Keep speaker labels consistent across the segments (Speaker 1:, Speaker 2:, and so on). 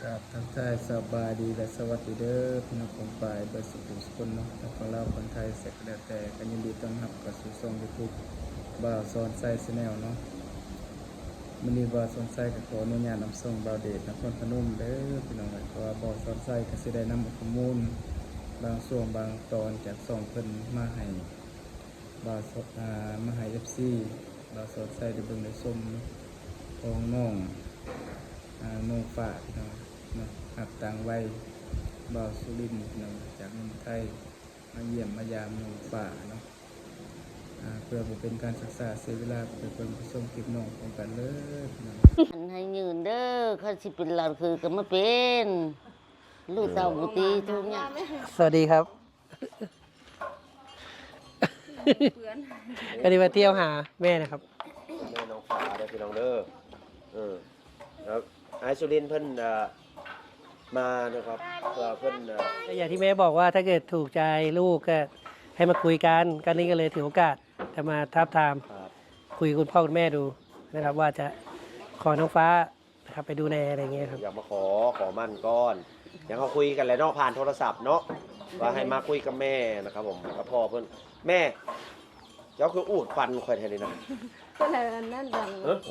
Speaker 1: กับทักทายสบายดีและสวัสดีเด้อพี่น้องของฝ่ายเบอร์สุขุมสกุลเนาะทั้งของเราคนไทยเสร็จแล้วแต่กันยินดีต้อนรับกับสู่ช่อง YouTube บ่าวสอนไซส์แนลเนาะมื้อนี้บ่าวสอนไซส์ก็ขออนุญาตนำส่งบ่าวเดชนครพนมเด้อพี่น้องเพราะว่าบ่าวสอนไซส์ก็สิได้นำข้อมูลบางช่วงบางตอนจากช่องเพิ่นมาให้บ่าวสดมาให้ FC บ่าวสอนไซส์ได้เบิ่งได้ชมของน้องน้องฝ่าพี่น้องเนาะหักต่างวัยบ่าวสุรินทร์พี่น้องจากเมืองไทยมาเยี่ยมมายามน้องฝ่าเนาะเพื่อบ่เป็นการศึกษาเสียเวลาไปเพิ่นผู้ชมคลิปน้องพร้อมกันเลยพี่น้อง
Speaker 2: อันให้ยืนเด้อเขาสิเป็นหลานคือก็มาเป็นลูกเต้าบุตรีทุกอย่าง
Speaker 3: สวัสดีครับ ก็ดีมาเที่ยวหาแม่นะครับ
Speaker 4: แม่น้องฟ้าได้พี่น้องเด้อแล้วไอซูลินเพิ่นมานะครับเพื่อเพิ่น
Speaker 3: ก็อย่างที่แม่บอกว่าถ้าเกิดถูกใจลูกก็ให้มาคุยกันก็นี่ก็เลยถือโอกาสจะมาทับทาม
Speaker 4: ครับ
Speaker 3: คุยกับคุณพ่อคุณแม่ดูนะครับ ว่าจะขอน้องฟ้านะครับไปดูแลอะไรเงี้ยครับ
Speaker 4: อยากมาขอมั่นก้อนอย่างเขาคุยกันแหล้วเนาะผ่านโทรศัพท์เนาะว่าให้มาคุยกับแม่นะครับผมกับพ่อเพิ่นแม่เจ้าคืออูดฟันข่อยแทนเลยนะ
Speaker 5: ก็เลยอันนั้นดัง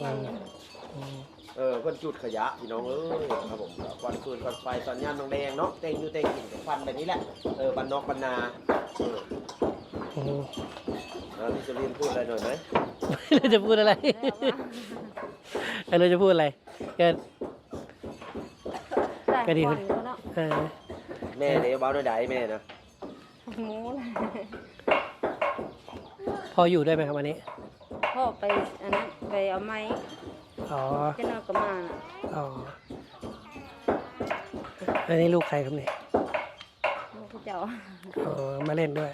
Speaker 4: เพิ่นจุดขยะพี่น้องเอ้ยครับผมควันฟืนควันไฟสัญญาณน้องแดงเนาะเต็งอยู่เต็งกินกับควันแบบนี้แหละบันนอกบันนาพี่ซูลินพูดอะไรหน่อยไหม
Speaker 3: เราจะพูดอะไรเราจะพูดอะไรก็ ก็ดี
Speaker 5: คนเนาะ
Speaker 4: แม่เดี๋ยวเบาหน่อยได้แม่นะ
Speaker 5: หมูเลย
Speaker 3: พออยู่ด้วยไหมครับวันนี้
Speaker 5: พ่อไปอันนั้นไปเอาไม้
Speaker 3: อ๋อ
Speaker 5: จะนอนกับมาน่ะ
Speaker 3: อ๋ออันนี้ลูกใครครับเนี่ย
Speaker 5: ลูกเจ้า
Speaker 3: อ๋อมาเล่นด้วย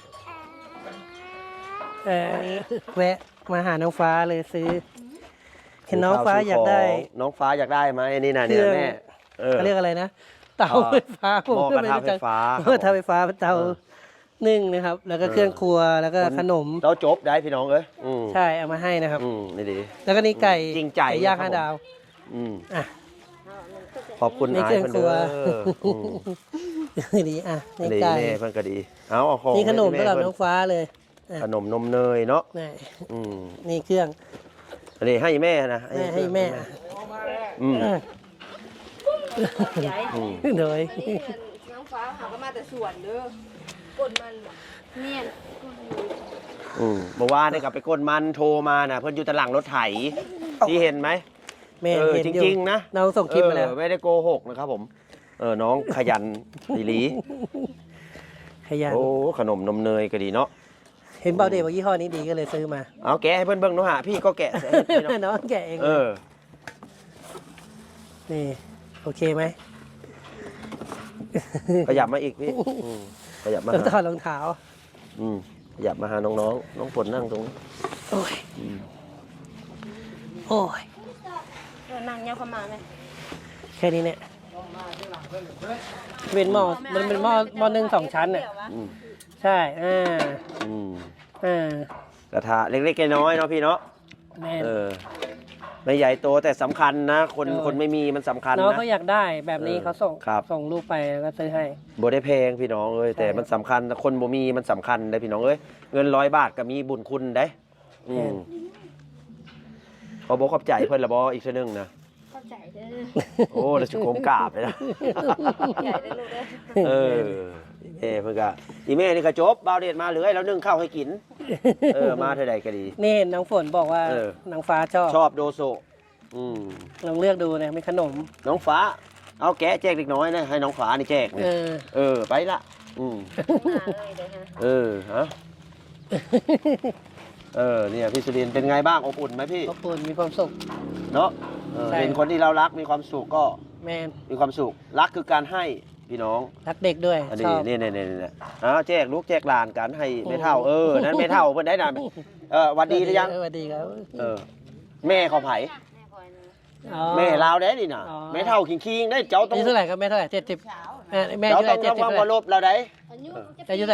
Speaker 3: แวะมาหาน้องฟ้าเลยซื้อ เห็นน้องฟ้าอยากได้
Speaker 4: น้องฟ้าอยากได้ไหมอันนี้นะ
Speaker 3: เครื่
Speaker 4: เนี่ย
Speaker 3: อง
Speaker 4: แม่
Speaker 3: เขาเรียกอะไรนะ เตาไฟฟ้า
Speaker 4: หม้อกระทะไฟฟ้า
Speaker 3: หม้อกระทะไฟฟ้าเตานึ่งนะครับ แล้วก็เครื่องครัวแล้วก็ขนม
Speaker 4: เราจบได้พี่น้องเอ้ย
Speaker 3: ใช่เอามาให้นะครับ
Speaker 4: นี่ดี
Speaker 3: แล้วก็นี่ไก่
Speaker 4: จริงใจ
Speaker 3: ไก่ย่าง
Speaker 4: ครับ
Speaker 3: 5 ดาว อ่ะ
Speaker 4: ขอบคุณ
Speaker 3: นี่
Speaker 4: อา
Speaker 3: เครื่อง
Speaker 4: เพิ่น
Speaker 3: ครั
Speaker 4: เด้
Speaker 3: ว
Speaker 4: อ
Speaker 3: ดีอ่ะนี่
Speaker 4: ดี
Speaker 3: ไก่
Speaker 4: แม่เพิ่นก็ดีเอาของ
Speaker 3: นี่ขนม
Speaker 4: ให้
Speaker 3: สำหรับ
Speaker 4: แม่
Speaker 3: น้องฟ้าเลย
Speaker 4: ขนมนมเนยเนาะ
Speaker 3: นี่
Speaker 4: อืม
Speaker 3: นี่เครื่อง
Speaker 4: อันนี้ให้แม่นะ
Speaker 3: ให้แม่
Speaker 4: อืม
Speaker 5: ใหญ่
Speaker 3: โดย
Speaker 5: น้องฟ้าเขาก็มาแต่สวนเด้อกดมันเนี่ยกดอยู่
Speaker 4: เมื่อวานนี่ก็ไปกดมันโทรมาน่ะเพิ่นอยู่ตะหลังรถไถที่เห็นไหม
Speaker 3: แม่เห็น
Speaker 4: จ
Speaker 3: อยู่
Speaker 4: ริงๆนะ
Speaker 3: น้องส่งคลิปมาแล้ว
Speaker 4: ไม่ได้โกหกนะครับผม น้องขยันดีหลี
Speaker 3: ขยัน
Speaker 4: โอ้ขนมนมเนยก็ดีเนาะ
Speaker 3: เห็นเบาเดย์ว่ายี่ห้อนี้ดีก็เลยซื้อมา
Speaker 4: เอาแกะให้เพื่อนเบิ่งหนูหะพี่ก็แกะให้พี่เนาะ
Speaker 3: น้องแกะเอง นี่โอเคไหม
Speaker 4: ขยับมาอีกพี่ขยับมา
Speaker 3: ต้องถอ
Speaker 4: หา
Speaker 3: ดรองเท้า
Speaker 4: ขยับมาหาน้องๆน้องฝนนั่งตรงนี้
Speaker 3: โอ้ยโอ้ย
Speaker 5: นั่งเงี้ยเข้ามาไหม
Speaker 3: แค่นี้เนี่ยเป็นหม้อมันเป็นหม้อนึ่ง2 ชั้นเนี่ย
Speaker 4: อืม
Speaker 3: ใช่
Speaker 4: อืม กระทะเล็กๆน้อยๆเนาะพี่เนาะ
Speaker 3: แม่
Speaker 4: ไม่ใหญ่โตแต่สำคัญนะ คนไม่มีมันสำคัญ
Speaker 3: น้อง
Speaker 4: นะ
Speaker 3: เขาอยากได้แบบนี้เขาส่ง
Speaker 4: ครับ
Speaker 3: ส่งรูปไปแล้วก็ซื้อให้
Speaker 4: บ่ได้แพงพี่น้องเอ้ย
Speaker 3: ใช่
Speaker 4: แต่มันสำคัญคนบ่มีมันสำคัญได้พี่น้องเอ้ยเงิน100 บาทก็มีบุญคุณได้ขอบอกขอบใจเพิ่นละบ่อีกชั่วนึงนะ
Speaker 5: เข้าใจเด้อ
Speaker 4: โอ้แล้วจะโกมกราบเลยนะ
Speaker 5: ใหญ่เด้อลูกเด้อ
Speaker 4: เพิ่นก็อีแม่นี่ก็จบบาวเดชมาเหลือให้แล้วนึ่งข้าวให้กิน มาเท่าใดก็ดี
Speaker 3: นี่น้องฝนบอกว่า
Speaker 4: เออ
Speaker 3: น้องฟ้าชอบ
Speaker 4: ชอบโดโซ
Speaker 3: ลองเลือกดูนะมีขนม
Speaker 4: น้องฟ้า เอาแกะแจกเล็กน้อยนะให้น้องฟ้านี่แจกนี่ ไปละ
Speaker 5: มาเลยเด้อฮะ
Speaker 4: เนี่ยพี่สุรินทร์เป็นไงบ้างอบอุ่นไหมพี่
Speaker 3: ขอบคุณมีความสุข
Speaker 4: เนาะ
Speaker 3: ใช่
Speaker 4: เป็นคนที่เรารักมีความสุขก็
Speaker 3: แมน
Speaker 4: มีความสุขรักคือการให้พี่น้อง
Speaker 3: รักเด็กด้วย
Speaker 4: อัน
Speaker 3: ช
Speaker 4: นี้
Speaker 3: อบ
Speaker 4: นี่แจกลูกแจกหลานกันให้ไม่เท่านั้นไม่เท่าเพิ่นได้นะวันดีหรือยัง
Speaker 3: สวัสดีครับ
Speaker 4: แม่เขาไผ
Speaker 5: แม่คอยนะ
Speaker 3: อ๋อ
Speaker 4: แม่ลาวได้ดิน่ะ
Speaker 3: อ๋อ
Speaker 4: แม่เท่าคิงๆได้เจ้าต้อง
Speaker 3: อายุเท่าไหร่ครับแม่เท่าไหร่70แม่อา
Speaker 4: เจ้า
Speaker 3: ยุเท่าไห
Speaker 4: ต้
Speaker 3: ร่ 70เท่าไห
Speaker 4: องระวังว่า
Speaker 3: ร่
Speaker 4: ลบเราได้
Speaker 5: อายุ
Speaker 3: อายุเท่าไหร่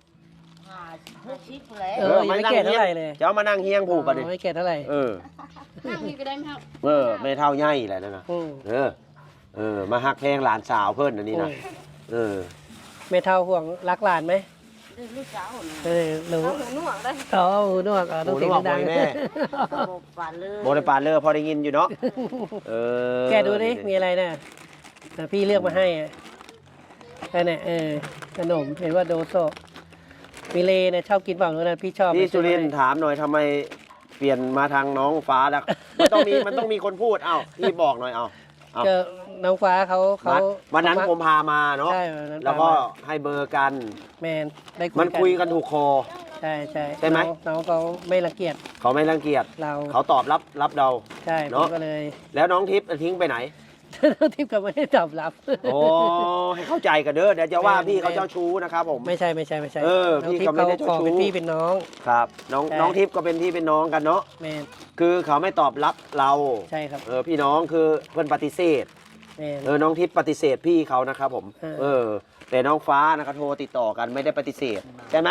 Speaker 2: 60แล้ว
Speaker 3: ยังไม่แก่เท่าไหร่เลย
Speaker 4: เจ้ามานั่งเฮียงผูกปะดิ
Speaker 3: ไม่แก่เท่าไหร่
Speaker 5: นั่งนี่ก็ได้ไหมครับ
Speaker 4: แม่เท่าใหญ่แหละนั่นน่ะ
Speaker 3: อืม
Speaker 4: เออมาฮักแพงหลานสาวเพิ่นอันนี้นะ
Speaker 3: แม่เท่าห่วงรักหลานไหม
Speaker 2: ลูกสาวน่ะ
Speaker 3: รู้
Speaker 5: เอาหูหนวกได้
Speaker 3: อ๋อหูหนวกต้องเสียงดัง
Speaker 4: แม่
Speaker 2: บอกปานเลย
Speaker 4: โบได้ปานเลอพอได้ยินอยู่เนาะ
Speaker 3: แกดูดิมีอะไรนะพี่เลือกมาให้แค่นี้ขนมเห็นว่าโดโซมิเลเนี่ยชอบกินเปล่านะพี่ชอบ
Speaker 4: พี่สุรินทร์ถามหน่อยทำไมเปลี่ยนมาทางน้องฟ้าแล้วมันต้องมีคนพูดพี่บอกหน่อย
Speaker 3: ก็น้องฟ้าเขา
Speaker 4: วันนั้นผมพามาเนาะ
Speaker 3: ใช่วันนั้น
Speaker 4: แล้วก็ให้เบอร์กัน
Speaker 3: แมนได้
Speaker 4: มันคุยกันถูกคอ
Speaker 3: ใช่
Speaker 4: ใช่ไหม
Speaker 3: น้องเขาไม่รังเกียจ
Speaker 4: เขาไม่รังเกียจ
Speaker 3: เรา
Speaker 4: เขาตอบรับเรา
Speaker 3: ใช่ผมก็เลย
Speaker 4: แล้วน้องทิพย์ทิ้งไปไหน
Speaker 3: น้องทิพย์ก็ไม่ได้ตอบรับ
Speaker 4: โอ้ให้เข้าใจกันเด้อเดี๋ยวจะว่าพี่เขาเจ้าชู้นะครับผม
Speaker 3: ไม่ใช่
Speaker 4: พี่ก็ไม่ได้เจ้าชู้
Speaker 3: เป็นพี่เป็นน้อง
Speaker 4: ครับน้องทิพย์ก็เป็นพี่เป็นน้องกันเนาะ
Speaker 3: แมน
Speaker 4: คือเขาไม่ตอบรับเรา
Speaker 3: ใช่ครับ
Speaker 4: พี่น้องคือเพื่อนปฏิเสธ
Speaker 3: แมน
Speaker 4: น้องทิพย์ปฏิเสธพี่เขานะครับผม แต่น้องฟ้านะครับโทรติดต่อกันไม่ได้ปฏิเสธใช่ไหม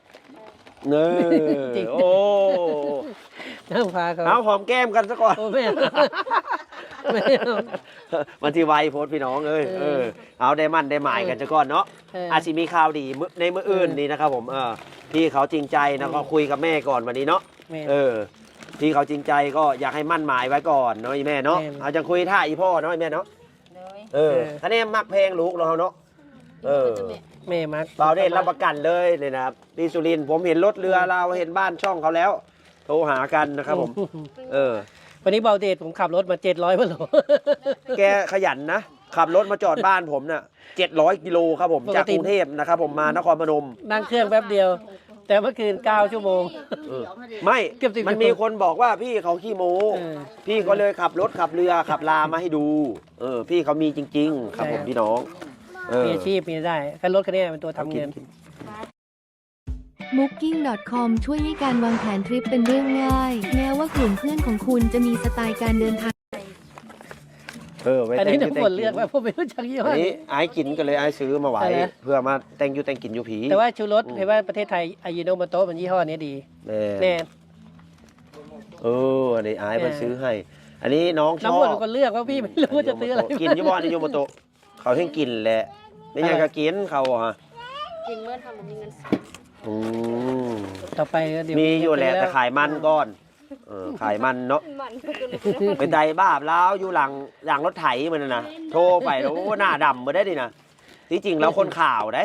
Speaker 4: โอ้
Speaker 3: น้องฟ้าเขา
Speaker 4: เอาหอมแก้มกันซะก่อน
Speaker 3: โอ้แม่ไม่
Speaker 4: วันที่ไวโพสต์พี่น้องเอาได้มั่นได้หมายกันซะก่อนเนาะอาจจะมีข่าวดีในมื้ออื่นนี่นะครับผมพี่เขาจริงใจนะก็คุยกับแม่ก่อนวันนี้เนาะพี่เขาจริงใจก็อยากให้มั่นหมายไว้ก่อนเนาะแม่เนาะเอาจะคุยท่าอีพ่อเนาะแม่เนาะท่านนี้มักเพลงลูกเราเนาะ
Speaker 3: แม่มัก
Speaker 4: เราได้รับประกันเลยเลยนะครับพี่สุรินทร์ผมเห็นรถเรือเราเห็นบ้านช่องเขาแล้วโทรหากันนะครับผม
Speaker 3: วันนี้เบาเดชผมขับรถมา700 กิโล
Speaker 4: แกขยันนะขับรถมาจอดบ้านผมน่ะ700 กิโลครับผมจากกรุงเทพนะครับผมมานครพนม
Speaker 3: นั่งเครื่องแป๊บเดียว แต่เมื่อคืน9 ชั่วโมง
Speaker 4: ไม่มันมีคนบอกว่าพี่เขาขี้โม้พี่ก็เลยขับรถขับเรือขับลามาให้ดูพี่เขามีจริงๆครับผมพี่น้อง
Speaker 3: มีอาชีพมีได้แค่รถคันนี้เป็นตัวทำเงิน
Speaker 6: Booking.com ช่วยให้การวางแผนทริปเป็นเรื่องง่าย แม้ว่ากลุ่มเพื่อนของคุณจะมีสไตล์การเดินทาง
Speaker 3: อันนี้ทุกคนเลือกว่าผมไม่รู้จักยี่ห้อนี้
Speaker 4: ไอ้กินก็เลยไอ้ซื้อมาไว้เพื่อมาแต่งกินอยู่ผี
Speaker 3: แต่ว่าชูรสเห็นว่าประเทศไทยอายิโนโมโตะมันยี่ห้อนี้ดีแน่
Speaker 4: อันนี้ไอ้มันซื้อให้อันนี้น้องชอบ
Speaker 3: น้ำมันคนเลือกว่าพี่ไม่รู้จะซื้ออะไร
Speaker 4: กินยี่ห้อนิโยโมโตะเขาให้กินแหละไม่อยากจะกินเขา
Speaker 5: กินเมื่อทำมันมีเงิน
Speaker 3: ต่อไปเดี๋ยว
Speaker 4: มีอยู่แหละแต่ขายมันก่อนขายมันเนาะเป็นไดบ้าแล้วอยู่หลังรถไถมันนะโทรไปแล้วหน้าดำมาได้ดินะที่จริงแล้วคนข่าวได้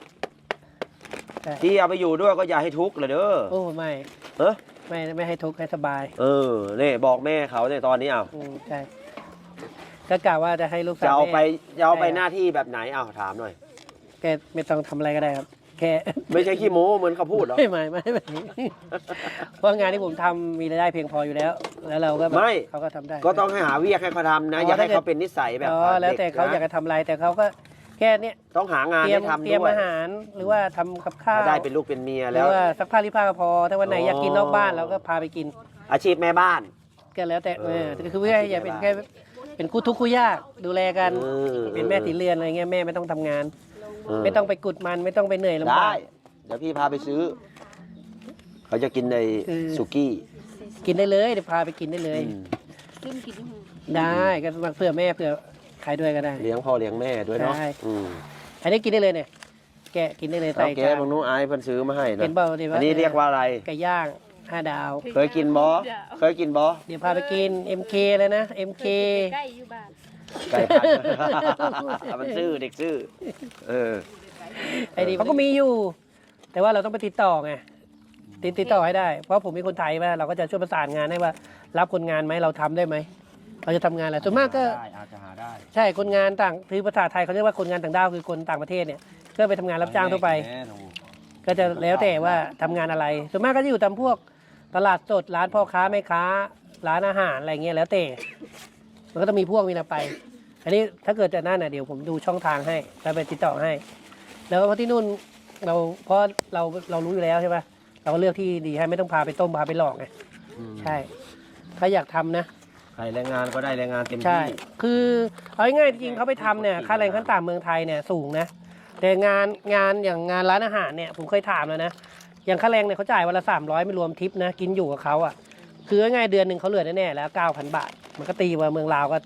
Speaker 4: ที่เอาไปอยู่ด้วยก็อย่าให้ทุกข์เลยเด้อ
Speaker 3: โอ้ไม่ไม่ให้ทุกข์ให้สบาย
Speaker 4: นี่บอกแม่เขาในตอนนี้
Speaker 3: ใช่ก็กล่าวว่าจะให้ลูกสาว
Speaker 4: จะเอาไปหน้าที่แบบไหนถามหน่อย
Speaker 3: แกไม่ต้องทำอะไรก็ได้ครับแค่
Speaker 4: ไม่ใช่ขี้โม้เหมือนเขาพูดหรอ
Speaker 3: ไม่เพราะงานที่ผมทำมีรายได้เพียงพออยู่แล้วเราก็เขาก็ทำได้
Speaker 4: ก็ต้องให้หาวิธีให้เขาทำนะอย่าให้เขาเป็นนิสัยแบบ
Speaker 3: แล้วแต่เขาอยากจะทำอะไรแต่เขาก็แค่นี้
Speaker 4: ต้องหางานให้ทำด้วย
Speaker 3: เตรียมอาหารหรือว่าทำกับข้าว
Speaker 4: ได้เป็นลูกเป็นเมียแล้ว
Speaker 3: หรือว่าซักผ้ารีดผ้าก็พอถ้าวันไหนอยากกินนอกบ้านเราก็พาไปกิน
Speaker 4: อาชีพแม่บ้าน
Speaker 3: ก็แล้วแต่คือเพื่ออย่าเป็นแค่เป็นคู่ทุกข์คู่ยากดูแลกันเป็นแม่ตีเรือนอะไรเงี้ยแม่ไม่ต้องทำงานไม่ต้องไปกุดมันไม่ต้องไปเหนื่อยลำบาก
Speaker 4: เดี๋ยวพี่พาไปซื้อเขาจะกินในสุกี้
Speaker 3: กินได้เลยเดี๋ยวพาไปกินได้เลยได้ก็เพื่อแม่เพื่อใครด้วยก็ได้
Speaker 4: เลี้ยงพ่อเลี้ยงแม่ด้วยเนาะ
Speaker 3: อันนี้กินได้เลยเนี่ยแกะกินได้เลย
Speaker 4: ใส่แกะบางนู้นไอ้เพิ่นซื้อมาให้นะอันนี้เรียกว่าอะไร
Speaker 3: ไก่ย่าง5 ดาว
Speaker 4: เคยกินบอ
Speaker 3: เดี๋ยวพาไปกิน MK เลยนะ MK
Speaker 5: ใกล้อยู่บ้าน
Speaker 4: ไก่พันมันซื้อเด็กซื้อ
Speaker 3: ไอ้นี่เขาก็มีอยู่แต่ว่าเราต้องไปติดต่อไงติดต่อให้ได้เพราะผมมีคนไทยมาเราก็จะช่วยประสานงานให้ว่ารับคนงานไหมเราทำได้ไหมเราจะทำงานอะไรส่วนมากก็
Speaker 4: อาจจะหาได้
Speaker 3: ใช่คนงานต่างคือภาษาไทยเขาเรียกว่าคนงานต่างด้าวคือคนต่างประเทศเนี่ยก็ไปทำงานรับจ้างทั่วไปก็จะแล้วแต่ว่าทำงานอะไรส่วนมากก็จะอยู่ตามพวกตลาดสดร้านพ่อค้าแม่ค้าร้านอาหารอะไรเงี้ยแล้วแต่มันก็ต้องมีพวกมีอะไรไปอันนี้ถ้าเกิดจะนั่นน่ะเดี๋ยวผมดูช่องทางให้แล้วไปติดต่อให้แล้วเพราะที่นู่นเพราะเรารู้อยู่แล้วใช่ไหมเราก็เลือกที่ดีให้ไม่ต้องพาไปต้มพาไปหลอกไงใช่ถ้าอยากทำนะ
Speaker 4: ใครแรงงานก็ได้แรงงานเต็มที่
Speaker 3: ใช่คือเอาง่ายๆจริงเขาไปทำเนี่ยค่าแรงขั้นต่ำเมืองไทยเนี่ยสูงนะแต่งานอย่างงานร้านอาหารเนี่ยผมเคยถามแล้วนะอย่างค่าแรงเนี่ยเขาจ่ายวันละ300ไม่รวมทิปนะกินอยู่กับเขาอ่ะคือง่ายๆเดือนหนึ่งเขาเหลือแน่ๆแล้ว 9,000 บาทมันก็ตีว่าเมืองลาวก็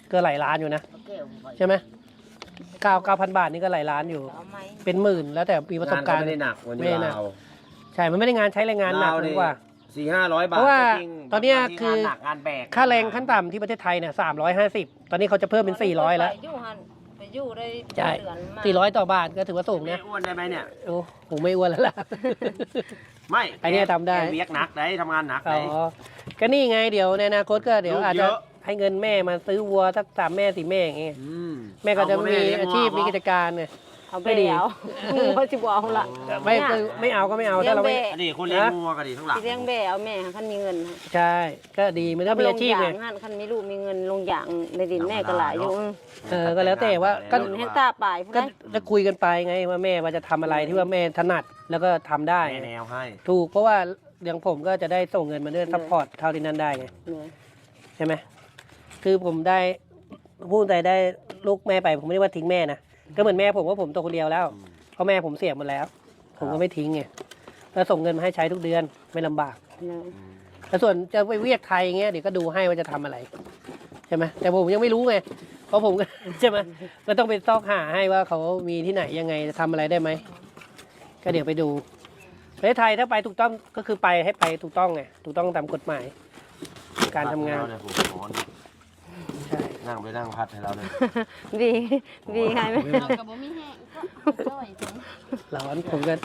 Speaker 3: ก็หลายล้านอยู่นะใช่ไหม9,000 บาทนี่ก็หลายล้านอยู่ เป็นหมื่นแล้วแต่มีประสบการณ์
Speaker 4: ไม่ได้หนักวัน
Speaker 3: ไม่
Speaker 4: นี้
Speaker 3: ได้หนัก
Speaker 4: เรา
Speaker 3: ใช่มันไม่ได้งานใช้แรงงานหนัก
Speaker 4: เรา
Speaker 3: ห
Speaker 4: ดิ
Speaker 3: รือว่า
Speaker 4: 400-500 บาท
Speaker 3: เพราะว่า
Speaker 4: จง
Speaker 3: ตอนเนี้ย
Speaker 4: บางที
Speaker 3: คือ
Speaker 4: งานหนักงานแบก
Speaker 3: ค่าแรงขั้นต่ำที่ประเทศไทยเนี่ย350ตอนนี้เขาจะเพิ่มเป็น400แล้ว
Speaker 5: ไปอยู่ได้
Speaker 3: ใช่
Speaker 5: เดือนมา
Speaker 3: 400ต่อบาทก็ถือว่าสูง
Speaker 4: แม่
Speaker 3: นะ
Speaker 4: อ้วนได้ไหมเนี่ย
Speaker 3: โอ้โหไม่อ้วนแล้วล่ะ
Speaker 4: ไม่
Speaker 3: ไอ้เนี่ยทำได้
Speaker 4: แกเวียกหนักได้ทำงานหนัก
Speaker 3: อ๋
Speaker 4: ได้
Speaker 3: อก็นี่ไงเดี๋ยวในอนาคตก็เดี๋ยว
Speaker 4: ลูก
Speaker 3: อาจ
Speaker 4: เย
Speaker 3: จะ
Speaker 4: อะ
Speaker 3: ให้เงินแม่มาซื้อวัวสัก3 แม่ 4 แม่อย่างเงี้ย
Speaker 4: อืม
Speaker 3: แม่ก็จะ
Speaker 4: เ
Speaker 3: มีอาชีพมีกิจการไง
Speaker 5: เอาไป
Speaker 3: ไม่ดี
Speaker 5: แล้วว่าสิบ่เอาละ
Speaker 3: ไม่เอาก็ไม่เอาถ้าเราไม่
Speaker 4: อันนี้คนเลี้ยงงัวก็ดีทั้งหลัง
Speaker 5: สิเลี้ยงแบ่เอาแม่คันมีเงิน
Speaker 3: ใช่ก็ดีมันก็มีอาชีพไง
Speaker 5: ลงอย่างคันมีลูกมีเงินลงอย่างในดินแม่ก็หลายอยู่
Speaker 3: ก็แล้วแต่ว่าก็
Speaker 5: ดินให้ตาปลายผู้
Speaker 3: ก็
Speaker 5: ใด
Speaker 3: จะคุยกันไปไงว่าแม่ว่าจะทำอะไรที่ว่าแม่ถนัดแล้วก็ทำได้
Speaker 4: แม่แนวให้
Speaker 3: ถูกเพราะว่าอย่างผมก็จะได้ส่งเงินมาด้วยซัพพอร์ตเท่าที่นั่นได้ไง
Speaker 5: เนี่ย
Speaker 3: ใช่ไหมคือผมได้พูดใจได้ลูกแม่ไปผมไม่ได้ว่าทิ้งแม่นะก็เหมือนแม่ผมว่าผมตัวคนเดียวแล้วเพราะแม่ผมเสียหมดแล้ว ผมก็ไม่ทิ้งไงแล้วส่งเงินมาให้ใช้ทุกเดือนไม่ลำบาก
Speaker 5: เนี่ย
Speaker 3: แล้วส่วนจะไปเวียกไทยอย่างเงี้ยเดี๋ยวก็ดูให้ว่าจะทำอะไรใช่ไหมแต่ผมยังไม่รู้ไงเพราะผมก็ ใช่ไหมก็ต้องไปซอกหาให้ว่าเขามีที่ไหนยังไงจะทำอะไรได้ไหมก็เดี๋ยวไปดูประเทศไทยถ้าไปถูกต้องก็คือไปให้ไปถูกต้องไงถูกต้องตามกฎหมาย การทำงาน
Speaker 4: เยผมขอ
Speaker 3: ใช่
Speaker 4: นั่งไปนั่งพัดให้เราเลย
Speaker 5: บีใครไหม
Speaker 7: เรากับบ่มีแห้งก็จ้อยจัง
Speaker 3: ร้อนผมก็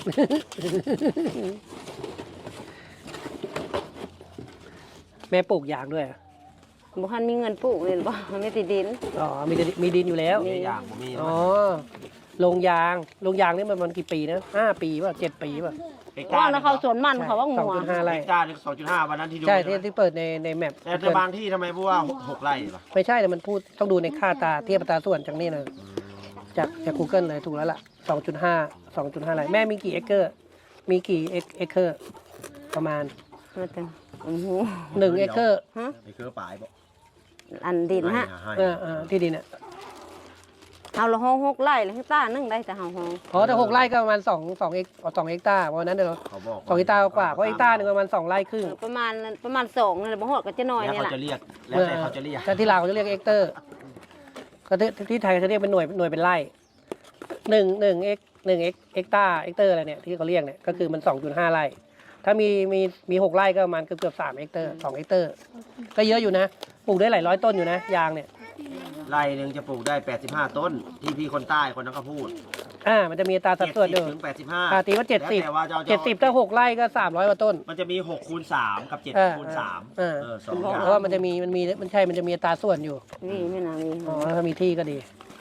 Speaker 3: แม่ปลูกยางด้วยเหรอ
Speaker 5: บ่คันมีเงินปลูกเลยบ่มันไม่ติดดิน
Speaker 3: อ๋อมีดินอยู่แล้ว
Speaker 4: มีอย่างผมมี
Speaker 3: อ๋อลงยางนี่มันกี่ปีนะ5 ปีป่ะ7 ปีป่ะ
Speaker 5: ว่าแล้วเขาสวนมันเขาว่างัว
Speaker 3: 2.5 ไร่
Speaker 4: เฮกตาร์นึง2.5วันนั้นที่ดู
Speaker 3: ใช่ที่เปิดในแมป
Speaker 4: แต่บางที่ทำไมพูดว่า6 ไร่ล่ะ
Speaker 3: ไม่ใช่แต่มันพูดต้องดูในค่าตาเทียบอัตราส่วนจากนี่เลยจาก Google เลยถูกแล้วล่ะ 2.5 ไร่แม่มีกี่เอเคอร์มีกี่เอเคอร์ประมาณ
Speaker 5: มาแต่โอ้โห
Speaker 3: 1 เอเคอร์
Speaker 4: ไอ้คือป่ายบอก
Speaker 5: อันดินฮะ
Speaker 3: ที่ดินอ่ะ
Speaker 5: เอาละห้อง6 ไร่แล้วให้ต้านึงได้แต่เฮาห้อง
Speaker 3: อ๋อแต่6 ไร่ก็ประมาณ2 เฮกตาร์เพราะฉะนั้นเดี๋ยว
Speaker 4: เขาบอก
Speaker 3: 2 เฮกตาร์กว่าเพราะเฮกตาร์หนึงประมาณ2 ไร่ครึ่ง
Speaker 5: ประมาณ2นี่แหละบ่ฮอดก็จะน้อย
Speaker 4: แล้ว
Speaker 5: นี่
Speaker 4: เขา
Speaker 5: แหละ
Speaker 4: จะเรียกแล้วแต่เขาจะเรียก
Speaker 3: แต่ที่ลาวเขาจะเรียกเฮกเตอร์ก็ที่ไทยเขาจะเรียกเป็นหน่วยเป็นไร่1 เฮกตาร์อะไรเนี่ยที่เขาเรียกเนี่ยก็คือมัน 2.5 ไร่ถ้ามี6 ไร่ก็ประมาณเกือบ3 เฮกเตอร์2 เฮกเตอร์ก็เยอะอยู่นะปลูกได้หลายร้อยต้นอยู่นะยางเนี่ย
Speaker 4: ไร่หนึ่งจะปลูกได้85 ต้น ที่พี่คนใต้คนนั้นก็พูด
Speaker 3: มันจะมีอัตราสัดส่วนอยู่
Speaker 4: 70ถึง85
Speaker 3: ตีว่า
Speaker 4: แล้วแต่ว่าจะเอา
Speaker 3: 70ถ้า6 ไร่ก็300 กว่าต้น
Speaker 4: มันจะมี6คูณ3กับ7คูณ3 สองอย่าง
Speaker 3: เพราะว่ามันจะมีมันจะมีอัตราส่วนอยู่
Speaker 5: นี่ไม่น่ามี
Speaker 3: อ๋อถ้ามีที่ก็ดี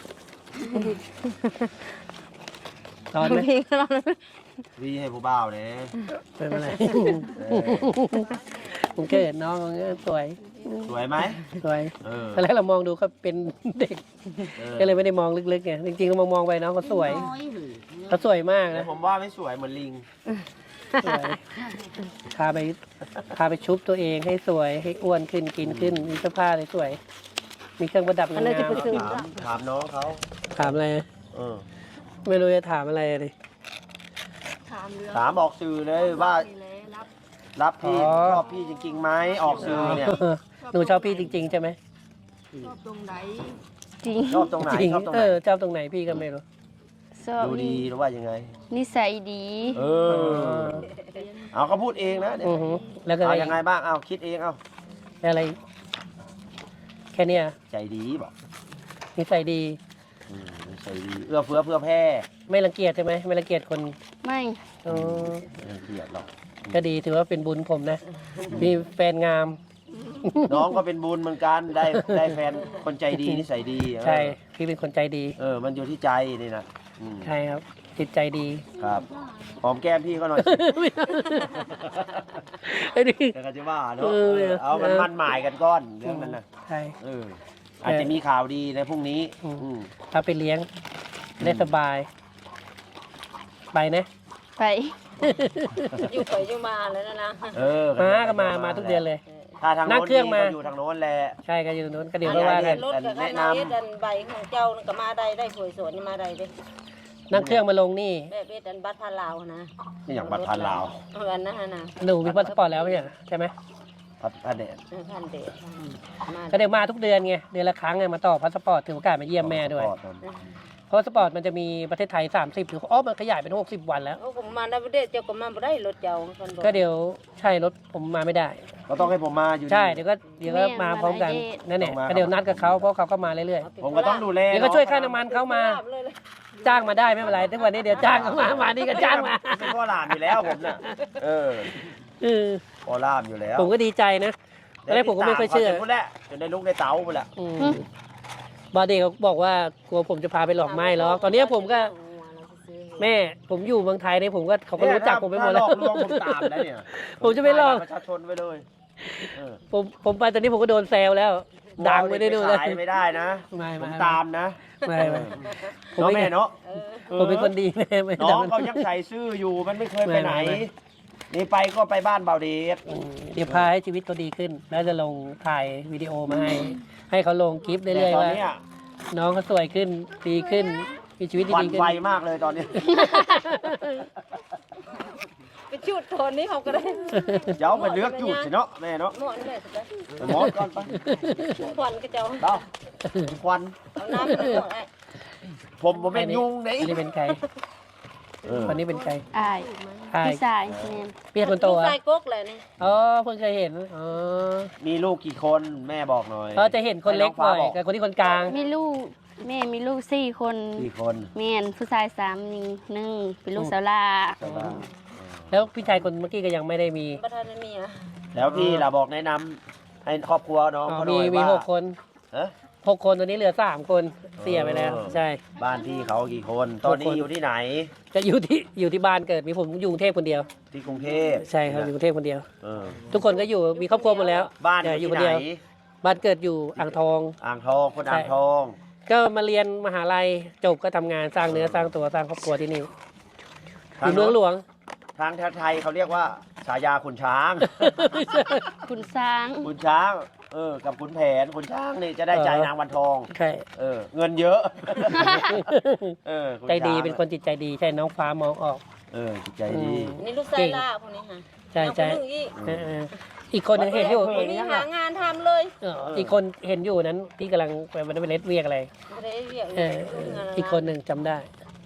Speaker 3: ร้อนไหม
Speaker 5: พี่ก็ร้อน
Speaker 4: วีให้ผู้บ่าวเนี่ย
Speaker 3: เป็นอะไรผมเกิดน้องมันก็สวย
Speaker 4: สวยไหม
Speaker 3: สวย
Speaker 4: เออ
Speaker 3: ตอนแรกเรามองดูเขาเป็นเด็ก ก็เลยไม่ได้มองลึกๆไงจริงๆเรามองไปน้องเขาสวยเขาสวยมาก
Speaker 4: แต่
Speaker 3: นะ
Speaker 4: ผมว่าไม่สวยเหมือนลิง
Speaker 3: สวยพาไปชุบตัวเองให้สวยให้อ้วนขึ้นกินขึ้นมีเสื้อผ้าสวยมีเครื่องประดับงาม
Speaker 4: ถามน้องเขา
Speaker 3: ๆถามอะไร
Speaker 4: เออ
Speaker 3: ไม่รู้จะถามอะไรเลย
Speaker 7: ถามเรื่อง
Speaker 4: ถามออกสื่อเลยว่า
Speaker 7: นี่แหละรับ
Speaker 4: รับพี่ชอบพี่จริงๆไหมออกสื่อเนี่ย
Speaker 3: หนูชอบพี่จริงๆใช่ไหม
Speaker 7: ชอบตรงไหน
Speaker 5: จริง
Speaker 4: ชอบตรงไหน
Speaker 3: จริง
Speaker 4: ชอบตรงไหน
Speaker 3: ชอบตรงไหนพี่ก็ไม่รู้
Speaker 5: ชอบ
Speaker 4: ดูดีหรือว่ายังไง
Speaker 5: นิสัยดี
Speaker 4: เออ เอาก็พูดเองนะเดี๋ยว
Speaker 3: อือหือแล้วก็
Speaker 4: เอา
Speaker 3: อะไร
Speaker 4: ยังไงบ้างเอาคิดเองเอา
Speaker 3: อะไรแค่เนี้ย
Speaker 4: ใจดีบอก
Speaker 3: นิสัยดี
Speaker 4: ใจดีเอื้อเฟื้อเพื่อแพร่
Speaker 3: ไม่รังเกียจใช่ไหมไม่รังเกียจคน
Speaker 5: ไม่
Speaker 3: อ๋อ
Speaker 4: ไม่เกลียดหรอก
Speaker 3: ก็ดีถือว่าเป็นบุญผมนะมีแฟนงาม
Speaker 4: น้องก็เป็นบุญเหมือนกันได้แฟนคนใจดีนิสัยดีเออ
Speaker 3: ใช่พี่เป็นคนใจดี
Speaker 4: มันอยู่ที่ใจนี่นะอืม
Speaker 3: ใช่ครับ จิตใจดี
Speaker 4: ครับหอมแก้มพี่ก็หน่อยสิ
Speaker 3: ไอ้นี่
Speaker 4: แต่ก็จะว่าเนาะ
Speaker 3: เออ
Speaker 4: เอามันมั่นหมายกันก้อนเรื่องนั้นนะ
Speaker 3: ใช่
Speaker 4: อาจจะมีข่าวดีในพรุ่งนี้
Speaker 3: อืม พาไปเลี้ยงได้สบาย ไปนะ
Speaker 5: ไปอยู่ไปอยู่มาแล้วนะ
Speaker 3: ก็มาทุกเดือนเลย
Speaker 4: ถ้าทาง
Speaker 3: นั่
Speaker 4: โน้
Speaker 3: ง
Speaker 4: น
Speaker 3: เครื่องมา
Speaker 4: ก็อยู่ทางโน้นแหละ
Speaker 3: ใช่ก็อยู่ตรงนู้นก็เดี๋ยวก็ว่ากัน
Speaker 5: รถกับน้ำเอ็ดอันใบของเจ้าก็มาได้สวยสวนมาได้เด้
Speaker 3: นั่งเครื่องมาลงนี่
Speaker 5: แบบเอ็ดอันบัตรพาลาวนะ
Speaker 4: นี่อย่างบัตรพันลาว
Speaker 5: เอาอันนั้นนะ
Speaker 3: หนูมีพาสปอร์ตแล้วไม่ใช่เหรอใช่ไหม
Speaker 4: พันเดช
Speaker 2: พันเดชมา
Speaker 3: ก็เดี๋ยวมาทุกเดือนไงเดือนละครั้งไงมาต่อพาสปอร์ตถือโอกาสมาเยี่ยมแม่ด้วยเพราะพาสปอร์ตมันจะมีประเทศไทย30หรือมันขยายเป็น60 วันแล้ว
Speaker 2: โอ้ผมมาได้ประเทศเจ้าก็มาบ่ได้รถเจ้าคนบอก
Speaker 3: ก็เดี๋ยวใช่รถผมมาไม่ได้
Speaker 4: ก็ต้องให้ผมมาอยู่
Speaker 3: ใช่เดี๋ยวก็มาพร้อมกันนั่นแหละก็เดี๋ยวนัดกับเขาเพราะเขาก็มาเรื่อย
Speaker 4: ผมก็ต้องดูแล
Speaker 3: ๆเดี๋ยวก็ช่วยค่าน้ำมันเขามาจ้างมาได้ไม่เป็นไรทุกวันนี้เดี๋ยวจ้างเขามานี่ก็จ้างมา
Speaker 4: เป็นพ่อหลานอยู่แล้วผมน่ะเออ พ่อหลานอยู่แล้ว
Speaker 3: ผมก็ดีใจนะตอนแรกผมก็ไม่ค่อยเชื่อ
Speaker 4: พูดแล้วจนได้ลูกได้เต๋าไปแล้ว
Speaker 3: บอดี้เขาบอกว่ากลัวผมจะพาไปหลอกไม้หรอกตอนนี้ผมก็แม่ผมอยู่เมืองไทยเนี่ยผมก็เขาก็รู้จักผมไปหมดแล้ว
Speaker 4: ถ้าหลอกลวงผมตามแล้วเนี่ย
Speaker 3: ผมจะไม่หลอก
Speaker 4: ประชาชนไปเลยเออ
Speaker 3: ผมไปตอนนี้ผมก็โดนแซวแล้ว ดังไปได้ดูเลย
Speaker 4: ขายไม่ได้นะ
Speaker 3: ไม่
Speaker 4: ผมตามนะ
Speaker 3: ไม่ผม
Speaker 4: น้อง
Speaker 3: ไม่
Speaker 4: แม่เนาะ
Speaker 3: ผมเป็นคนดีแม่ไม่
Speaker 4: น้องเขายังใส่ซื่ออยู่มันไม่เคยไปไหน นี่ไปก็ไปบ้านเบาเดช
Speaker 3: เดี๋ยวพาให้ชีวิตเขาดีขึ้น แล้วจะลงถ่ายวิดีโอมาให้เขาลงคลิปเรื่อยๆ
Speaker 4: ตอน
Speaker 3: ว่า
Speaker 4: เนี้ย
Speaker 3: น้องเขาสวยขึ้นดีขึ้นมีชีวิต
Speaker 4: หวั่
Speaker 3: ดี
Speaker 4: น
Speaker 3: ๆขึ้น
Speaker 4: ไวมากเลยตอนนี้
Speaker 2: ไปชุดโทนนี้เขาก็ได้
Speaker 4: เดี๋ยวไปเลือกจุดสิเนาะแม่เนาะ
Speaker 2: หมอนเลยสุดเลย
Speaker 4: ไปหมอก่อนไป
Speaker 2: ควันก็เจ้า
Speaker 4: เดาควัน
Speaker 2: เอาน้ำมาหมดไอ้
Speaker 4: ผมเป็นยุงไหน
Speaker 3: อันนี้เป็นใครคนนี้เป็นใคร
Speaker 7: อาย
Speaker 3: ใคร
Speaker 7: พี่ชายแม่น
Speaker 3: เปียกคนโต
Speaker 2: ลูก
Speaker 3: อ่ะ
Speaker 2: ชายก๊กเลยนี่
Speaker 3: อ๋อเพิ่งเคยเห็นอ๋อ
Speaker 4: มีลูกกี่คนแม่บอกหน่อย
Speaker 3: เขาจะเห็นคนเล็กบ่อยกับคนที่คนกลาง
Speaker 7: มีลูกแม่มีลูก4 คน
Speaker 4: กี่คน
Speaker 7: แม่นผู้ชาย3หญิง1เป็นลูกสาวลา
Speaker 4: ใช่ปะ
Speaker 3: แล้วพี่ชายคนเมื่อกี้ก็ยังไม่ได้มี
Speaker 2: ประธานมีอ่ะ
Speaker 4: แล้วพี่เราบอกแนะนำให้ครอบครัวน้อง
Speaker 3: อ๋อ
Speaker 4: เขาหน่
Speaker 3: มี
Speaker 4: อย
Speaker 3: มี
Speaker 4: ว่า
Speaker 3: 6 คน
Speaker 4: เอ๊ะ
Speaker 3: 6 คนตอนนี้เหลือ3 คนเสียไปแล้ว ใช่
Speaker 4: บ้านพี่เขากี่คน ตอนนี้อยู่ที่ไหน
Speaker 3: จะอยู่ที่บ้านเกิดมีผมอยู่กรุงเทพคนเดียว
Speaker 4: ที่กรุงเทพ
Speaker 3: ใช่ครับอยู่กรุงเทพคนเดียว
Speaker 4: เออ
Speaker 3: ทุกคนก็อยู่มีครอบครัวหมดแล้ว
Speaker 4: บ้าน
Speaker 3: เดี๋ยว
Speaker 4: อ
Speaker 3: อยู่
Speaker 4: ยู่
Speaker 3: คน
Speaker 4: ที่ไห
Speaker 3: เดี
Speaker 4: น
Speaker 3: ยวบ้านเกิดอยู่อ่างทอง
Speaker 4: อ่างทองคนอ่างทอง
Speaker 3: ก็มาเรียนมหาลัยจบก็ทำงานสร้างเนื้อสร้างตัวสร้างครอบครัวที่นี่อยู่เมืองหลวง
Speaker 4: ทางไทยเขาเรียกว่าฉายาขุนช้าง
Speaker 7: คุณช้าง
Speaker 4: ขุนช้าง กับขุนแผนขุนช้างนี่จะได้ใจนางวันทอง
Speaker 3: ใช่
Speaker 4: เงินเยอะ ขุน
Speaker 3: ใจดี
Speaker 4: ช้าง
Speaker 3: เป็นคนจิตใจดีใช่น้องฟ้ามองออก
Speaker 4: จิตใจดี
Speaker 2: นี่ลูกชายล่าพวกนี้ค่ะ
Speaker 3: ใช่ใช่
Speaker 2: เอาคนหนึ่งอีก
Speaker 3: อีกคนหนึงเห็นอยู่
Speaker 2: คนนี้หางานทำเลย
Speaker 3: อีกคนเห็นอยู่นั้นที่กำลังไปมันเป็นเลสเวียกอะไร
Speaker 2: ไม่ได้เรียก
Speaker 3: อีกคนหนึ่งจำได้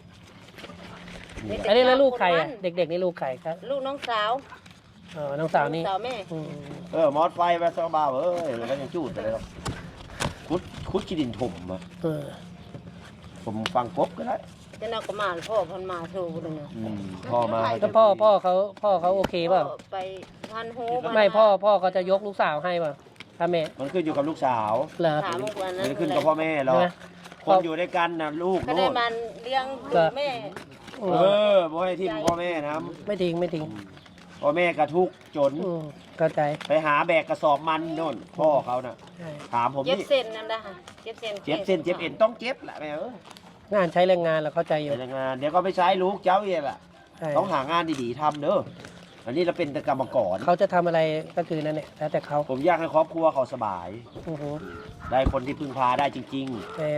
Speaker 3: อันนี้แล้วลูกใครอ่ะเด็กๆนี่ลูกใครครับ
Speaker 2: ลูกน้องสาว
Speaker 3: อ๋อน้องสาวนี่
Speaker 2: สาวแม่
Speaker 3: อืม
Speaker 4: มอสไฟไปซะบ้าแล้วก็ยังจูดไปเลยหรอกคุดขี้ดินถมอ่ะ
Speaker 3: เออ
Speaker 4: ผมฟังกบก็ได้
Speaker 2: จะนำกระมาพ่อพันมาโชว์คนนึง
Speaker 4: พ่อมา
Speaker 3: แล้วพ่อเขาโอเคเปล่า
Speaker 2: ไปพันโฮ
Speaker 3: ไม่พ่อเขาจะยกลูกสาวให้เปล่าถ้าแม่
Speaker 4: มันขึ้นอยู่กับลูกสาว
Speaker 3: เหรอ
Speaker 2: ถามวัน
Speaker 4: มั
Speaker 2: นั้น
Speaker 4: นขึ้นกับพ่อแม่หรอก
Speaker 3: ใช่ไหม
Speaker 4: คนอยู่ด้วยกันนะลูก
Speaker 2: ก็ได้
Speaker 4: โน่น
Speaker 2: มันเลี้ยงแม่
Speaker 4: บ่ให้ทิมพ่อแม่นะ
Speaker 3: ไม่ทิ้งไม่ทิ้ง
Speaker 4: พ่อแม่กระทุกข์จน
Speaker 3: เข้าใจ
Speaker 4: ไปหาแบกกระสอบมันโน่นพ่อเขาน่ะ
Speaker 3: ใช่
Speaker 4: ถามผม
Speaker 2: เจ็บ
Speaker 4: นี่
Speaker 2: เส้นนั่นนะค่ะเจ็บเส้น
Speaker 4: เจ็บเส้นเจ็บเอ็นต้องเจ็บแหละแม่
Speaker 3: งานใช้แรงงานเราเข้าใจอยู่
Speaker 4: ไปทำงานเดี๋ยวก็ไม่ใช้ลูกเจ้าเองแหละ
Speaker 3: ใช่
Speaker 4: ต้องหางานดีๆทำเด้ออันนี้เราเป็นแต่กรรมกร
Speaker 3: เขาจะทำอะไรก็คือนั่นแหละแล้วแต่เขา
Speaker 4: ผมอยากให้ครอบครัวเขาสบาย
Speaker 3: โอ้โห
Speaker 4: ได้คนที่พึ่งพาได้จริง
Speaker 3: แมน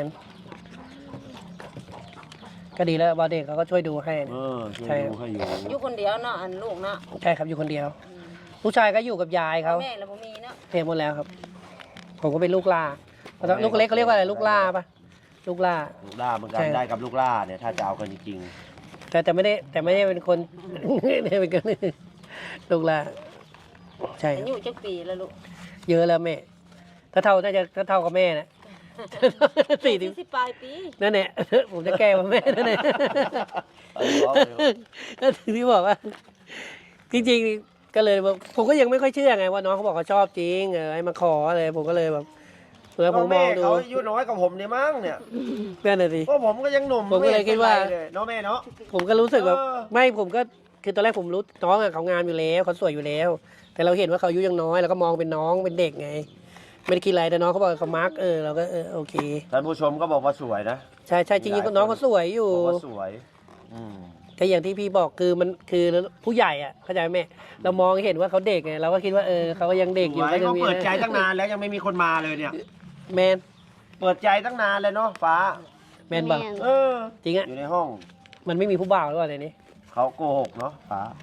Speaker 3: ก็ดีแล้วบอเด็กเขาก็ช่วยดูให้
Speaker 4: ๆช่วยดูให้อยู่
Speaker 2: อยู่คนเดียวเนาะอันลูกเนาะ
Speaker 3: ใช่ครับอยู่คนเดียวลูกชายก็อยู่กับยายเขา
Speaker 2: แม่แล้วผมมีเนาะ
Speaker 3: เทหมดแล้วครับ ผมก็เป็นลูกล่าลูกเล็กเขาเรียกว่าอะไรลูกล่าปะลูกล่า
Speaker 4: ลูกล่าเหมือนกัน
Speaker 3: ใช่
Speaker 4: ได้กับลูกล่าเนี่ยถ้าจะเอากันจริง
Speaker 3: แต่ไม่ได้เป็นคน ไม่ได้เป็นคนลูกล่าใช่
Speaker 2: อายุจักปีแล้วลูก
Speaker 3: เยอะแล้วแม่ถ้าเท่าน่าจะถ้าเท่ากับแม่นะ40
Speaker 2: ปลายปี
Speaker 3: นั่นแหละผมจะแก้ว่าแม่นั่นแหละ
Speaker 4: ๆ
Speaker 3: ก็ถึงที่บอกว่า จริงๆก็เลยแบบผมก็ยังไม่ค่อยเชื่อไงว่าน้องเขาบอกเขาชอบจริงให้มาขออะไรผมก็เลยแบบเผื่อผมม
Speaker 4: แม่
Speaker 3: องดู
Speaker 4: เขาอายุน้อยกว่าผมเนี่ยมั้งเนี่ย
Speaker 3: นั่นน่ะสิ
Speaker 4: เพราะผมก็ยังหนุ่ม
Speaker 3: ผมก็เลยคิดว่า
Speaker 4: ไม่เป็นไรเลยเนาะแม่เนาะ
Speaker 3: ผมก็รู้สึกแบบ
Speaker 4: เออ
Speaker 3: ไม่ผมก็คือตอนแรกผมรู้น้องอะเขางามอยู่แล้วเขาสวยอยู่แล้ว แต่เราเห็นว่าเขาอายุยังน้อยเราก็มองเป็นน้องเป็นเด็กไง ไม่ได้คิดอะไรแต่น้องเขาบอกเขามาร์กเราก็โอเค
Speaker 4: ท่านผู้ชมก็บอกว่าสวยนะ
Speaker 3: ใช่ใช่จริงๆน้องเขาสวยอยู่
Speaker 4: บอกว่าสวยอืม
Speaker 3: ก็อย่างที่พี่บอกคือมันคือผู้ใหญ่อ่ะเข้าใจไหมแม่เรามองเห็นว่าเขาเด็กไงเราก็คิดว่าเขาก็ยังเด็กอยู่
Speaker 4: สวย
Speaker 3: ก็ยัง
Speaker 4: เขา
Speaker 3: มี
Speaker 4: เปิดใจตั้งนานแล้วยังไม่มีคนมาเลยเนี่ย
Speaker 3: แมน
Speaker 4: เปิดใจตั้งนานเลยเนาะฟ้า
Speaker 3: แมนบอก
Speaker 4: เออ
Speaker 3: จริงอ่ะ
Speaker 4: อยู่ในห้อง
Speaker 3: มันไม่มีผู้บ่าวหรือเปล่าในนี้
Speaker 4: เขาโกหกเนาะฟ้า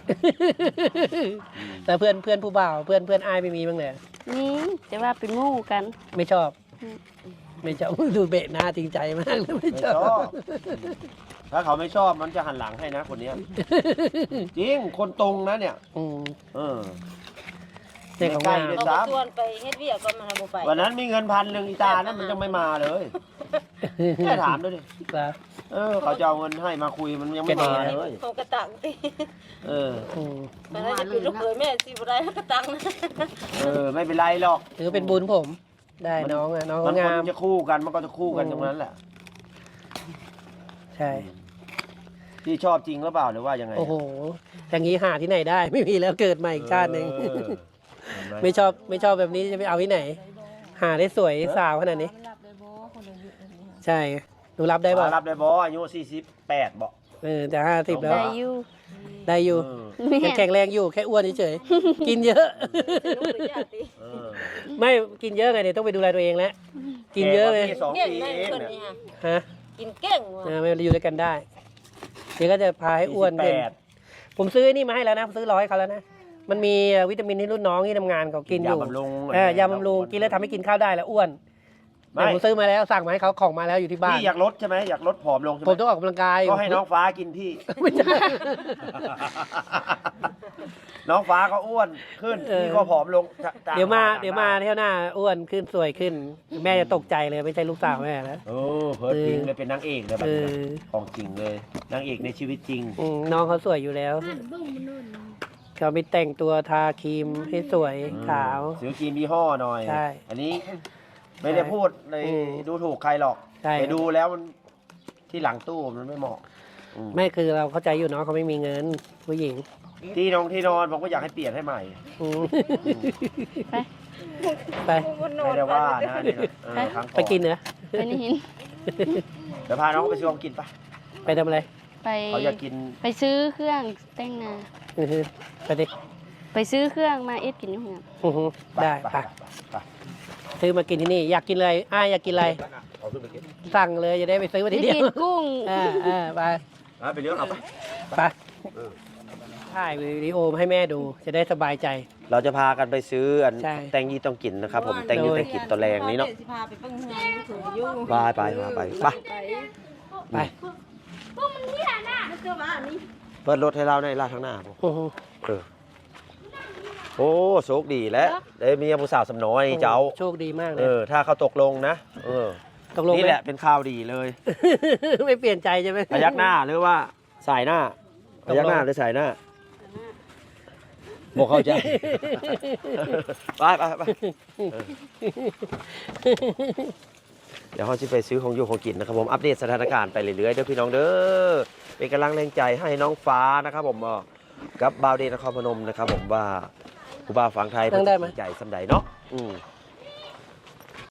Speaker 3: แต่เพื่อนผู้บ่าวเพื่อนอ้ายไม่มีบ้างเลย
Speaker 7: นี่จะว่าเป็นหมู่กัน
Speaker 3: ไม่ชอบ ไม่ชอบ ดูเบะหน้าจริงใจมากเลยไม่
Speaker 4: ไม่
Speaker 3: ช
Speaker 4: ช
Speaker 3: อ
Speaker 4: อบ บ ถ้าเขาไม่ชอบมันจะหันหลังให้นะคนเนี้ย จริงคนตรงนะเนี่ย
Speaker 3: อืม
Speaker 4: เออ
Speaker 3: เด็กของ
Speaker 4: ใกล้
Speaker 3: งาม
Speaker 4: เลย
Speaker 5: เอา
Speaker 4: ซ้
Speaker 5: ชวนไปเฮ็ดเวียกก็มาบ่ไป
Speaker 4: ำวันนั้นมีเงิน1,000อีตานั้นมันยังไม่มาเลยแค่ถามด้วยดิ
Speaker 3: ครับ
Speaker 4: เขาจะเอาเงินให้มาคุยมันยังไม่มาเลย
Speaker 5: เขากระตังติ
Speaker 4: เออ
Speaker 3: อืม
Speaker 5: มันน่าจะเป็นลูกเขยแม่สิบ่ได้กระตังนะ
Speaker 4: ไม่เป็นไรหรอก
Speaker 3: ถือเป็นบุญผม ได้น้องน้อง
Speaker 4: มัน
Speaker 3: งาม
Speaker 4: จะคู่กันมันก็จะคู่กันตรงนั้นแหละ
Speaker 3: ใช่
Speaker 4: พี่ชอบจริงหรือเปล่าหรือว่ายังไง
Speaker 3: โอ้โหอย่างนี้หาที่ไหนได้ ไม่มีแล้วเกิดใหม่อีกชาติหนึ่ง
Speaker 4: เออเห็นไหม
Speaker 3: ไม่ชอบแบบนี้จะไปเอาที่ไหน หาได้สวยสาวขนาดนี้ ใช่หนูรับได้ป่ะ
Speaker 4: รับได้บออายุ48บอก
Speaker 3: แต่50แล้ว
Speaker 7: ได้อยู่
Speaker 3: ได้อยู่
Speaker 7: แม่
Speaker 3: ยังแข็งแรงอยู่แค่อ้วนเฉยๆ กินเยอะ
Speaker 5: ลูกหรือญาติ
Speaker 3: ไม่กินเยอะไงเดี๋ยวต้องไปดูแลตัวเองแล้วกินเยอะเลย
Speaker 4: แกกว่าพี่2
Speaker 5: เก่ง
Speaker 4: ปี
Speaker 5: แม่
Speaker 4: เอง
Speaker 5: คน
Speaker 4: เนี่ย
Speaker 5: นี้ฮะ
Speaker 3: ฮะ
Speaker 5: กินเก่งว่ะ
Speaker 3: ไม่อยู่ด้วยกันได้ เดี๋ยวก็จะพาให้อ้วนขึ้น
Speaker 4: 48
Speaker 3: ผมซื้อนี่มาให้แล้วนะผมซื้อให้เขาแล้วนะมันมีวิตามินที่รุ่นน้องที่ทำงานเขากินอยู่
Speaker 4: ยาบำรุง
Speaker 3: ยาบำรุงกินแล้วทำให้กินข้าวได้แล้วอ้วน
Speaker 4: ไม่
Speaker 3: แต่ผมซื้อมาแล้วสั่งมาให้เขาของมาแล้วอยู่ที่บ้าน
Speaker 4: พี่อยากลดใช่ไหมอยากลดผอมลงใช่ไห
Speaker 3: ผม มต้องออกกำลังกาย
Speaker 4: ก็ให้น้องฟ้ากินพี่
Speaker 3: ไม่ใช่
Speaker 4: น้องฟ้าก็อ้วนขึ้น พี่ก็ผอมลง
Speaker 3: เดี๋ยวมาเที่ยวหน้าอ้วนขึ้นสวยขึ้น แม่จะตกใจเลยไม่ใช่ลูกสาวแม่แล้ว
Speaker 4: โอ้เพิร์ดจริงเลยเป็นนางเอกเลยแบบ
Speaker 3: เอ
Speaker 4: นี้
Speaker 3: อ
Speaker 4: ของจริงเลยนางเอกในชีวิตจริง
Speaker 3: น้องเขาสวยอยู่แล้วเขาไปแต่งตัวทาครีมให้สวยขาว
Speaker 4: ซื้อครีมยี่ห้อหน่อย
Speaker 3: ใช่
Speaker 4: อันนี้ไม่ได้พูดเลย
Speaker 3: อืม
Speaker 4: ดูถูกใครหรอก
Speaker 3: ใช่
Speaker 4: ไปดูแล้วมันที่หลังตู้มันไม่เหมาะอืม
Speaker 3: ไม่คือเราเข้าใจอยู่เนาะเขาไม่มีเงินผู้หญิง
Speaker 4: ที่นอนผมก็อยากให้เปลี่ยนให้ใหม่
Speaker 3: อืม
Speaker 7: ไป
Speaker 3: ไป
Speaker 4: ไม่ได้ว่านะนี่นะครั้งก่อน
Speaker 3: ไปกินเหรอ
Speaker 7: ไปนี่หิน
Speaker 4: เดี๋ยวพาน้องไปซื้อของกินปะ
Speaker 3: ไปทำอะไร
Speaker 7: ไป
Speaker 4: เขาอยากกิน
Speaker 7: ไปซื้อเครื่องแต่งหน้า
Speaker 3: ไปดิ
Speaker 7: ไปซื้อเครื่องมาเอ็ดกินอยู่เฮือน
Speaker 3: ได้
Speaker 4: ไป
Speaker 3: ไป
Speaker 4: ไป
Speaker 3: ซื้อมากินที่นี่อยากกินอะไรอยากกินอะไร
Speaker 4: เอาขึ้นไปกิน
Speaker 3: สั่งเลยจะได้ไปซื้อมาที
Speaker 7: ได้
Speaker 3: เดีย
Speaker 7: กิ
Speaker 3: วน
Speaker 7: กุ้ง
Speaker 3: ไป
Speaker 4: ไปเลี้ยงเอาไป
Speaker 3: ไปถ่ายวิดีโอมาให้แม่ดูจะได้สบายใจ
Speaker 4: เราจะพากันไปซื้ออัน
Speaker 3: ใช่
Speaker 4: แตงยี่ต้องกินนะครับผมแตงยี่ต้องกินตัวแรงนี้เนาะ
Speaker 5: สิพาไปเบิ่งงานถืออยู่
Speaker 4: ไปไป
Speaker 3: ไป
Speaker 4: เปิดรถให้เราในลาดข้างหน้าผม
Speaker 3: อือฮึ
Speaker 4: โอ้โชคดีแล้วได้เมียผู้สาวสำน้อยเจ้า
Speaker 3: โชคดีมากเลย
Speaker 4: ถ้าเขาตกลงนะ
Speaker 3: ตกลง
Speaker 4: นี่
Speaker 3: ไหม
Speaker 4: แหละเป็นข่าวดีเลย
Speaker 3: ไม่เปลี่ยนใจใช่ไหม
Speaker 4: พยักหน้าหรือว่าสายหน้า
Speaker 3: ต
Speaker 4: พ
Speaker 3: กลง
Speaker 4: ยักหน้าหรือสายหน้าบอกเข้าใจ ไปเดี๋ยวเขาจะไปซื้อของอยู่ของกินนะครับผมอัปเดตสถานการณ์ไปเรื่อยๆเด้อพี่น้องเด้อเป็นกำลังแรงใจให้น้องฟ้านะครับผมกับบาวเดนนครพนมนะครับผมว่าผู้บ่าวฝั่งไทยเป็นใจสำใดเนาะ